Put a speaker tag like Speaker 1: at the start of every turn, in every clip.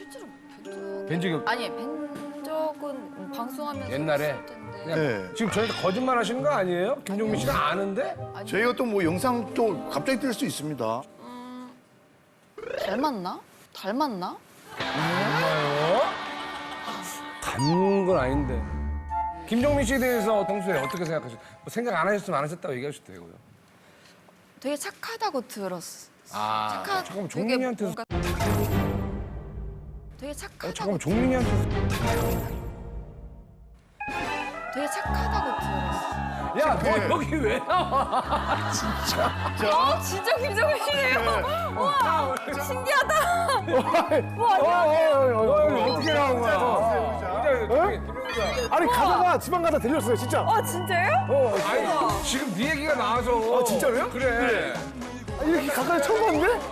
Speaker 1: 실제로
Speaker 2: 뵌 적이
Speaker 1: 아니 뵌 적은 방송하면서
Speaker 2: 옛날에?
Speaker 1: 있을 텐데.
Speaker 2: 그냥
Speaker 3: 네.
Speaker 2: 지금 저희한테 거짓말 하시는 거 아니에요? 김종민 씨가 아는데?
Speaker 1: 아니,
Speaker 3: 저희가 또 뭐 영상 또 갑자기 뜰 수 있습니다.
Speaker 1: 닮았나? 닮았나?
Speaker 2: 정말요? 닮은 건 아닌데. 김종민 씨에 대해서 평소에 어떻게 생각하세요? 뭐 생각 안 하셨으면 안 하셨다고 얘기하셔도 되고요.
Speaker 1: 되게 착하다고 들었어.
Speaker 2: 아, 잠깐만,
Speaker 1: 되게
Speaker 2: 종민이한테
Speaker 1: 뭔가 되게 착하다고.
Speaker 2: 잠깐만, 종민이한테.
Speaker 1: 되게 착하다고 들었어.
Speaker 2: 야, 너 여기 왜 나와?
Speaker 1: 진짜 김정민이에요. 우와, 신기하다.
Speaker 2: 너 여기 어떻게 나온 거야?
Speaker 4: 아니 가다가 지방 가다 들렸어요 진짜.
Speaker 1: 진짜요?
Speaker 2: 아니, 지금 네 얘기가 나와서.
Speaker 4: 진짜로요?
Speaker 2: 그래.
Speaker 4: 이렇게 가까이 처음 봤는데?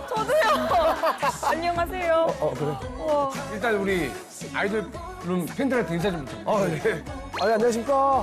Speaker 1: 안녕하세요.
Speaker 4: 그래.
Speaker 2: 일단 우리 아이돌룸 팬들한테 인사 좀 부탁드려요.
Speaker 4: 아 예. 아니 안녕하십니까.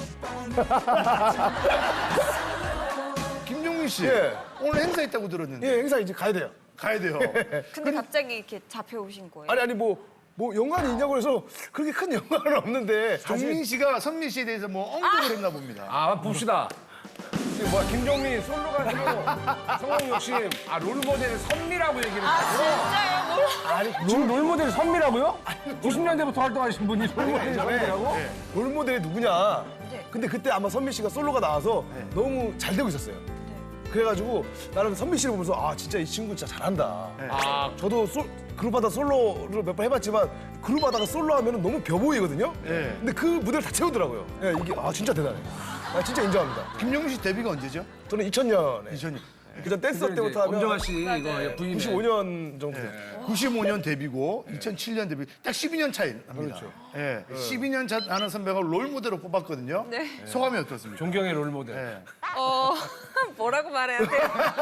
Speaker 3: 김종민 씨,
Speaker 4: 예.
Speaker 3: 오늘 행사 있다고 들었는데
Speaker 4: 예 행사 이제 가야 돼요.
Speaker 3: 가야 돼요.
Speaker 1: 근데 갑자기 이렇게 잡혀오신 거예요?
Speaker 4: 아니 뭐 연관이 있냐고 해서 그렇게 큰 연관은 없는데.
Speaker 3: 종민 씨가 선미 씨에 대해서 뭐 언급을 했나 봅니다.
Speaker 2: 아, 봅시다. 지금 뭐야, 김종민 솔로 가수로 성공 욕심. 아, 롤모델 선미라고 얘기를 했다고?
Speaker 1: 진짜요?
Speaker 2: 롤모델 선미라고요? 90년대부터 활동하신 분이 롤모델 선미라고?
Speaker 4: 롤모델이 누구냐.
Speaker 1: 네.
Speaker 4: 근데 그때 아마 선미 씨가 솔로가 나와서 너무 잘 되고 있었어요. 그래가지고 나는 선미 씨를 보면서 아 진짜 이 친구 진짜 잘한다.
Speaker 2: 아,
Speaker 4: 저도 그룹하다 솔로를 몇 번 해봤지만 그룹하다가 솔로 하면 너무 벼 보이거든요.
Speaker 3: 네.
Speaker 4: 근데 그 무대를 다 채우더라고요. 예, 이게 아 진짜 대단해. 아 진짜 인정합니다.
Speaker 3: 김종민 씨 데뷔가 언제죠?
Speaker 4: 저는 2000년에
Speaker 3: 2000년.
Speaker 4: 그전 댄서 때부터 하면
Speaker 2: 엄정화 씨 이거 부인의
Speaker 4: 95년 정도 돼요.
Speaker 3: 95년 데뷔고 2007년 데뷔. 딱 12년 차이 납니다.
Speaker 4: 그렇죠.
Speaker 3: 예. 12년 차 나는 선배가 롤모델로 뽑았거든요.
Speaker 1: 네.
Speaker 3: 소감이 어떻습니까?
Speaker 2: 존경의 롤모델.
Speaker 3: 예.
Speaker 1: 뭐라고 말해야 돼요?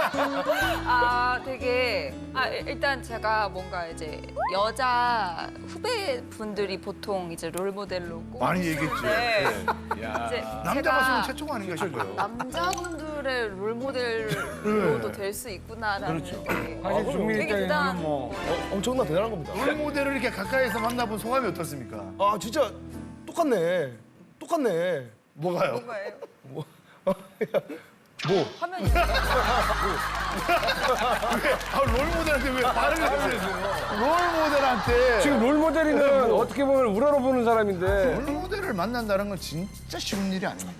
Speaker 1: 되게 일단 제가 뭔가 이제 여자 후배분들이 보통 이제 롤모델로
Speaker 3: 많이 얘기했죠.
Speaker 1: 네.
Speaker 2: 야.
Speaker 1: 이제
Speaker 3: 남자
Speaker 1: 제가
Speaker 3: 가수는 최초가 아닌가 싶어요.
Speaker 1: 남자분들의 롤모델로도 될 수 있구나라는
Speaker 2: 그렇죠.
Speaker 1: 게
Speaker 2: 사실 종민
Speaker 1: 되게
Speaker 2: 입장에서는
Speaker 1: 대단한
Speaker 2: 뭐
Speaker 1: 거예요.
Speaker 4: 엄청나 대단한 겁니다.
Speaker 3: 롤모델을 이렇게 가까이서 만나본 소감이 어떻습니까?
Speaker 4: 아 진짜 똑같네. 똑같네.
Speaker 3: 뭐가요?
Speaker 1: 뭔가예요?
Speaker 4: 뭐?
Speaker 1: 화면이
Speaker 3: 롤모델한테 왜 말을 해주세요? 롤모델한테
Speaker 2: 지금 롤모델이는 어떻게 보면 우러러보는 사람인데
Speaker 3: 롤모델을 만난다는 건 진짜 쉬운 일이 아닙니다.